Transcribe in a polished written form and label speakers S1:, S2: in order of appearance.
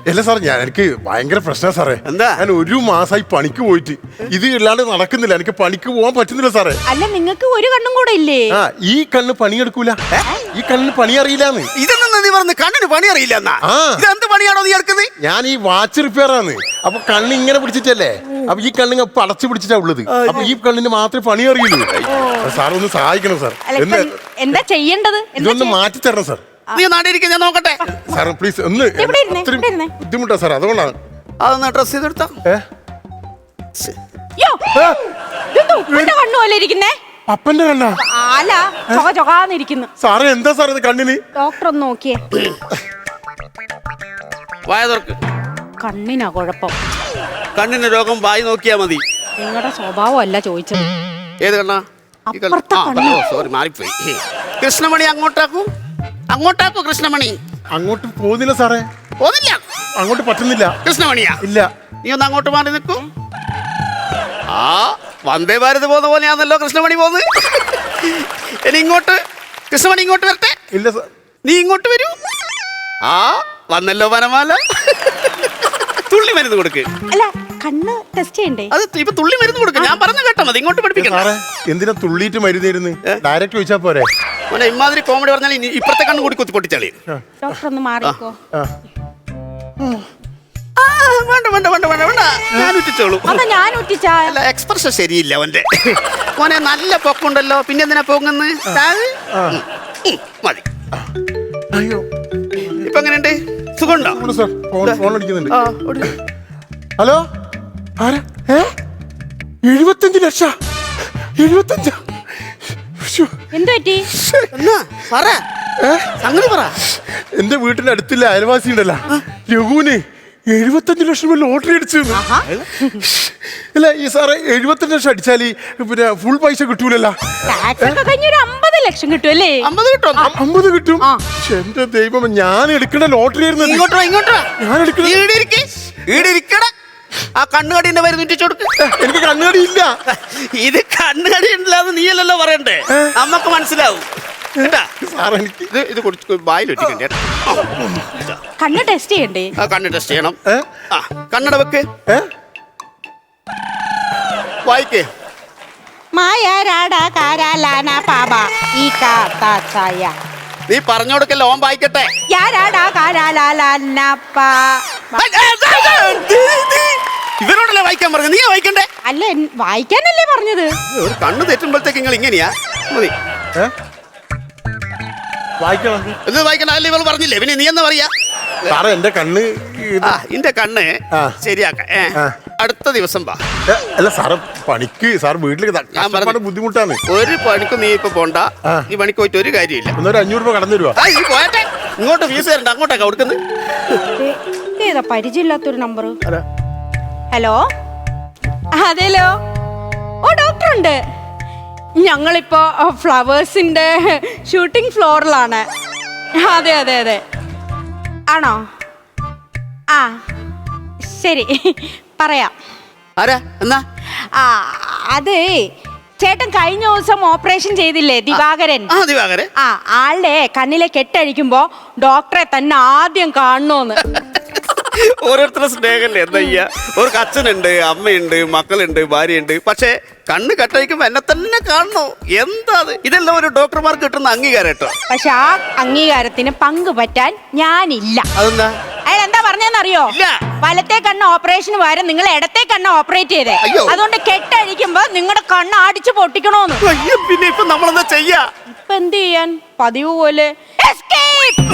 S1: അല്ല സാർ എനിക്ക് ഭയങ്കര പ്രശ്നമാണ് സാറേ.
S2: എന്താ?
S1: ഞാൻ 1 മാസമായി പണിക്ക് പോയിട്ട് ഇത് ഇല്ലാണ്ട് നടക്കുന്നില്ല. എനിക്ക് പണിക്ക് പോകാൻ പറ്റുന്നില്ല സാറേ.
S3: അല്ല നിങ്ങൾക്ക് ഒരു കണ്ണും കൂടെ ഇല്ലേ?
S1: ഈ കണ്ണ് പണിയെടുക്കൂല. ഈ കണ്ണിന് പണി അറിയില്ലാന്ന്.
S2: ഇതെന്നാ നീ പറഞ്ഞ കണ്ണിന് പണി അറിയില്ല എന്നാ? ഇതെന്ത് പണിയാണോ നീ എടുക്കുന്നത്?
S1: ഞാൻ ഈ വാച്ച് റിപ്പയർ ആണ്. അപ്പൊ കണ്ണ് ഇങ്ങനെ പിടിച്ചിട്ടല്ലേ, അപ്പൊ ഈ കണ്ണിന് അടച്ചു പിടിച്ചിട്ടാ ഉള്ളത്. അപ്പൊ ഈ കണ്ണിന് മാത്രമേ പണി അറിയുള്ളൂ. സാർ ഒന്ന് സഹായിക്കണം സാർ.
S3: എന്താ ചെയ്യേണ്ടത്?
S1: ഇതൊന്ന് മാറ്റി തരണം സാർ.
S2: നീ നാട്ടിലിരിക്കാൻ ഞാൻ നോക്കട്ടെ
S1: സാർ പ്ലീസ്. ഒന്ന് ബുദ്ധിമുട്ടാ സാർ, അതുകൊണ്ടാണ്.
S2: അതൊന്ന് ഡ്രസ് ചെയ്തെടുത്താ.
S1: അപ്പന്റെ കണ്ണാ?
S3: അല്ല, ചൊകാന്നിരിക്കുന്നു.
S1: സാറേ എന്താ സാർ ഇത് കണ്ണിന്?
S3: ഡോക്ടർ ഒന്ന് നോക്കിയേ.
S2: വായ തുറക്ക്.
S3: കണ്ണിനാ കുഴപ്പം.
S2: കണ്ണിന് രോഗം വായി നോക്കിയാ മതി.
S3: നിങ്ങളുടെ സ്വഭാവം അല്ല ചോദിച്ചത്.
S2: ഏത് കണ്ണാ? സോറി, മാറിപ്പോയി. കൃഷ്ണമണി അങ്ങോട്ടാക്കൂ കൃഷ്ണമണി.
S1: അങ്ങോട്ട് പോകുന്നില്ല സാറേ.
S2: പോകുന്നില്ല?
S1: അങ്ങോട്ട് പറ്റുന്നില്ല.
S2: കൃഷ്ണമണിയാ?
S1: ഇല്ല.
S2: നീ ഒന്ന് അങ്ങോട്ട് മാറി നിൽക്കൂ. വന്ദേ ഭാരത് പോകുന്ന പോലെയാണല്ലോ കൃഷ്ണമണി പോകുന്നത്. ഇനി ഇങ്ങോട്ട് കൃഷ്ണമണി ഇങ്ങോട്ട് വരട്ടെ.
S1: ഇല്ല സാർ.
S2: നീ ഇങ്ങോട്ട് വരൂ. വന്നല്ലോ വനമാല. തുള്ളി മരുന്ന് കൊടുക്ക്.
S3: അല്ല, കണ്ണ് ടെസ്റ്റ് ചെയ്യണ്ടേ?
S2: അത് ഇപ്പൊ തുള്ളി മരുന്ന് കൊടുക്ക്. ഞാൻ പറഞ്ഞു കേട്ടാ മതി, ഇങ്ങോട്ട് പഠിപ്പിക്കണം.
S1: എന്തിനാ തുള്ളിയിട്ട് മരുന്ന്? ഡയറക്റ്റ് ചോദിച്ചാ പോരെ?
S2: ഇമാതിരി കോമഡി പറഞ്ഞാൽ ഇപ്പുറത്തെ കണ്ണ് കൂടി കുത്തി പൊട്ടിച്ചാളി.
S3: ഡോക്ടർ ഒന്ന് മാറിക്കോ.
S2: വേണ്ട വേണ്ട വേണ്ട വേണ്ട വേണ്ട, ഞാൻ ഉറ്റിച്ചോളൂ.
S3: അല്ല,
S2: എക്സ്പ്രഷൻ ശരിയില്ല അവന്റെ. മോനെ നല്ല പൊക്കുണ്ടല്ലോ, പിന്നെ എന്തിനാ പൊങ്ങുന്ന്? മതി.
S1: അയ്യോ,
S2: ഇപ്പൊ എങ്ങനെയുണ്ട്? സുഖമുണ്ടോ?
S1: ഫോൺ അടിക്കുന്നുണ്ട്. ഹലോ, ആരാ? 75 ലക്ഷം. 75? എന്റെ വീട്ടിന്റെ അടുത്തില്ല അയൽവാസി ഉണ്ടല്ലോ, രഘുവിന് 75 ലക്ഷം രൂപ ലോട്ടറി അടിച്ചു. അല്ല ഈ സാറേ, 75 ലക്ഷം അടിച്ചാല് പിന്നെ ഫുൾ പൈസ കിട്ടൂലല്ലോ.
S3: 50 ലക്ഷം കിട്ടുമല്ലേ?
S2: 50
S1: കിട്ടും. എന്റെ ദൈവം, ഞാൻ എടുക്കേണ്ട ലോട്ടറി ആയിരുന്നു. ഞാൻ എടുക്കണ.
S2: ആ കണ്ണുകടീന്റെ മരുന്ന് ഉറ്റിച്ചു കൊടുക്ക്.
S1: എനിക്ക് കണ്ണുകടി ഇല്ല.
S2: ഇത് കണ്ണുകടി ഉണ്ടല്ലാതെ നീയല്ലല്ലോ പറയണ്ടേ, നമ്മക്ക് മനസ്സിലാവും. ഇത്
S3: കണ്ണ് ടെസ്റ്റ് ചെയ്യണ്ടേ?
S2: കണ്ണ് ടെസ്റ്റ് ചെയ്യണം. കണ്ണട വെക്ക്. വായിക്കേ. നീ പറഞ്ഞു കൊടുക്കല്ലോ, ഓൻ വായിക്കട്ടെ. ഇവരോടല്ലേ വായിക്കാൻ പറഞ്ഞു? നീ വായിക്കണ്ടേ?
S3: അല്ല, വായിക്കാനല്ലേ പറഞ്ഞത്.
S2: ഒരു കണ്ണ് തെറ്റുമ്പോഴത്തേക്ക് നിങ്ങൾ ഇങ്ങനെയാ? മതി. ഇത് വായിക്കണ്ട അല്ലേ ഇവൾ പറഞ്ഞില്ലേ? പിന്നെ നീ എന്താ പറയാ?
S1: സാറേ എന്റെ കണ്ണ്
S2: എന്റെ കണ്ണ് ശരിയാക്ക. അടുത്ത ദിവസം വാ.
S1: അല്ല സാറ് പണിക്ക്, സാർ വീട്ടിലേക്ക് ബുദ്ധിമുട്ടാണ്.
S2: ഒരു പണിക്കും നീ ഇപ്പൊ പോണ്ട. ഈ പണിക്ക് പോയിട്ട് ഒരു കാര്യമില്ല.
S1: ഒരു 500 രൂപ കടന്നു തരുവാ.
S2: നീ പോയട്ടെ. ഇങ്ങോട്ട് ഫീസ് തരണ്ട, അങ്ങോട്ടേക്കാ കൊടുക്കുന്നത്.
S3: ഏതാ പരിചയമില്ലാത്തൊരു നമ്പർ? ഹലോ, അതേലോ. ഓ, ഡോക്ടർ ഉണ്ട്. ഞങ്ങളിപ്പോ ഫ്ലവേഴ്സിന്റെ ഷൂട്ടിംഗ് ഫ്ലോറിലാണ്. അതെ അതെ അതെ. ആണോ? ശരി, പറയാം.
S2: എന്നാ?
S3: അതെ, ചേട്ടൻ കഴിഞ്ഞ ദിവസം ഓപ്പറേഷൻ ചെയ്തില്ലേ, ദിവാകരൻ? ആളുടെ കണ്ണിലെ കെട്ടഴിക്കുമ്പോ ഡോക്ടറെ തന്നെ ആദ്യം കാണണോന്ന്.
S2: ഓരോരുത്തരുടെ സ്നേഹല്ലേ എന്താ ചെയ്യാ? ഒരു അച്ഛനുണ്ട്, അമ്മയുണ്ട്, മക്കളുണ്ട്, ഭാര്യയുണ്ട്. പക്ഷെ കണ്ണ് കെട്ടഴിക്കുമ്പോ എന്നെ തന്നെ കാണണോ? എന്താ ഇതെല്ലാം ഒരു ഡോക്ടർമാർക്ക് കിട്ടുന്ന അംഗീകാരം കേട്ടോ.
S3: പക്ഷെ ആ അംഗീകാരത്തിന് പങ്ക് പറ്റാൻ ഞാനില്ല.
S2: അതെന്താ?
S3: അയാൾ എന്താ പറഞ്ഞെന്നറിയോ? വലത്തെ കണ്ണ് ഓപ്പറേഷന് പകരം നിങ്ങൾ ഇടത്തെ കണ്ണ് ഓപ്പറേറ്റ് ചെയ്തേ. അതുകൊണ്ട് കെട്ടഴിക്കുമ്പോ നിങ്ങളുടെ കണ്ണ് അടിച്ചു പൊട്ടിക്കണോന്ന്.
S2: പിന്നെ ഇപ്പൊ നമ്മളെന്താ ചെയ്യാ?
S3: ഇപ്പൊ എന്ത് ചെയ്യാൻ? പതിവ് പോലെ